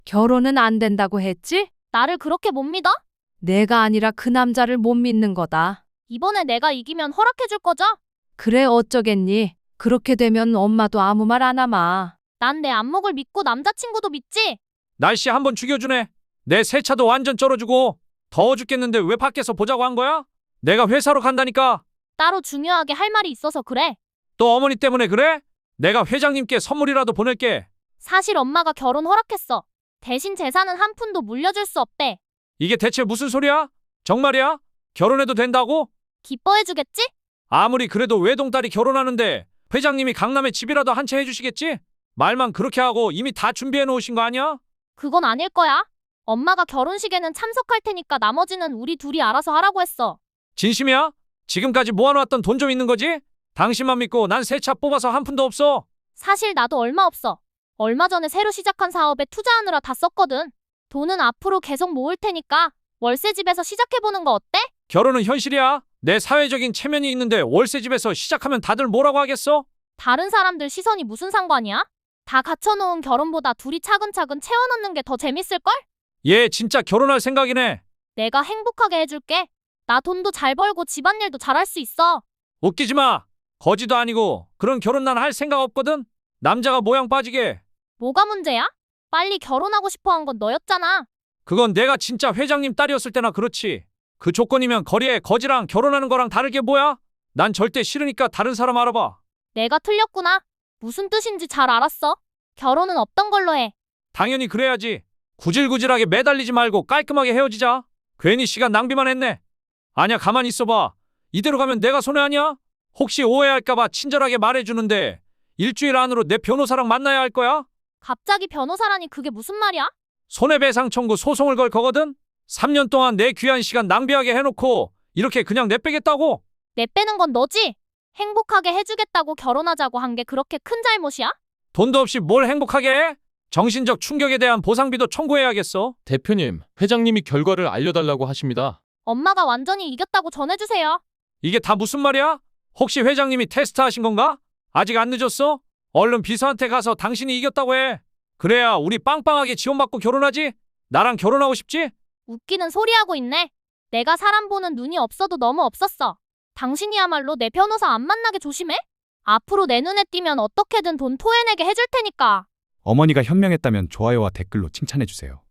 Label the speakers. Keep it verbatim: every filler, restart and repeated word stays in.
Speaker 1: 결혼은 안 된다고 했지?
Speaker 2: 나를 그렇게 못 믿어?
Speaker 1: 내가 아니라 그 남자를 못 믿는 거다.
Speaker 2: 이번에 내가 이기면 허락해줄 거죠?
Speaker 1: 그래 어쩌겠니? 그렇게 되면 엄마도 아무 말 안 하마.
Speaker 2: 난 내 안목을 믿고 남자친구도 믿지?
Speaker 3: 날씨 한번 죽여주네. 내 새 차도 완전 쩔어주고 더워 죽겠는데 왜 밖에서 보자고 한 거야? 내가 회사로 간다니까.
Speaker 2: 따로 중요하게 할 말이 있어서 그래.
Speaker 3: 또 어머니 때문에 그래? 내가 회장님께 선물이라도 보낼게.
Speaker 2: 사실 엄마가 결혼 허락했어. 대신 재산은 한 푼도 물려줄 수 없대.
Speaker 3: 이게 대체 무슨 소리야? 정말이야? 결혼해도 된다고?
Speaker 2: 기뻐해주겠지?
Speaker 3: 아무리 그래도 외동딸이 결혼하는데 회장님이 강남에 집이라도 한 채 해주시겠지? 말만 그렇게 하고 이미 다 준비해 놓으신 거 아니야?
Speaker 2: 그건 아닐 거야. 엄마가 결혼식에는 참석할 테니까 나머지는 우리 둘이 알아서 하라고 했어.
Speaker 3: 진심이야? 지금까지 모아놓았던 돈 좀 있는 거지? 당신만 믿고 난 새 차 뽑아서 한 푼도 없어.
Speaker 2: 사실 나도 얼마 없어. 얼마 전에 새로 시작한 사업에 투자하느라 다 썼거든. 돈은 앞으로 계속 모을 테니까 월세 집에서 시작해보는 거 어때?
Speaker 3: 결혼은 현실이야. 내 사회적인 체면이 있는데 월세 집에서 시작하면 다들 뭐라고 하겠어?
Speaker 2: 다른 사람들 시선이 무슨 상관이야? 다 갖춰놓은 결혼보다 둘이 차근차근 채워넣는 게 더 재밌을걸?
Speaker 3: 얘 진짜 결혼할 생각이네.
Speaker 2: 내가 행복하게 해줄게. 나 돈도 잘 벌고 집안일도 잘할 수 있어.
Speaker 3: 웃기지 마. 거지도 아니고 그런 결혼 난 할 생각 없거든. 남자가 모양 빠지게.
Speaker 2: 뭐가 문제야? 빨리 결혼하고 싶어 한 건 너였잖아.
Speaker 3: 그건 내가 진짜 회장님 딸이었을 때나 그렇지. 그 조건이면 거리에 거지랑 결혼하는 거랑 다르게 뭐야? 난 절대 싫으니까 다른 사람 알아봐.
Speaker 2: 내가 틀렸구나. 무슨 뜻인지 잘 알았어. 결혼은 없던 걸로 해.
Speaker 3: 당연히 그래야지. 구질구질하게 매달리지 말고 깔끔하게 헤어지자. 괜히 시간 낭비만 했네. 아니야, 가만히 있어봐. 이대로 가면 내가 손해 아니야? 혹시 오해할까봐 친절하게 말해주는데 일주일 안으로 내 변호사랑 만나야 할 거야?
Speaker 2: 갑자기 변호사라니 그게 무슨 말이야?
Speaker 3: 손해배상 청구 소송을 걸 거거든? 삼 년 동안 내 귀한 시간 낭비하게 해놓고 이렇게 그냥 내빼겠다고?
Speaker 2: 내 빼는 건 너지? 행복하게 해주겠다고 결혼하자고 한 게 그렇게 큰 잘못이야?
Speaker 3: 돈도 없이 뭘 행복하게 해? 정신적 충격에 대한 보상비도 청구해야겠어.
Speaker 4: 대표님, 회장님이 결과를 알려달라고 하십니다.
Speaker 2: 엄마가 완전히 이겼다고 전해주세요.
Speaker 3: 이게 다 무슨 말이야? 혹시 회장님이 테스트하신 건가? 아직 안 늦었어? 얼른 비서한테 가서 당신이 이겼다고 해. 그래야 우리 빵빵하게 지원받고 결혼하지? 나랑 결혼하고 싶지?
Speaker 2: 웃기는 소리하고 있네. 내가 사람 보는 눈이 없어도 너무 없었어. 당신이야말로 내 변호사 안 만나게 조심해. 앞으로 내 눈에 띄면 어떻게든 돈 토해내게 해줄 테니까.
Speaker 5: 어머니가 현명했다면 좋아요와 댓글로 칭찬해주세요.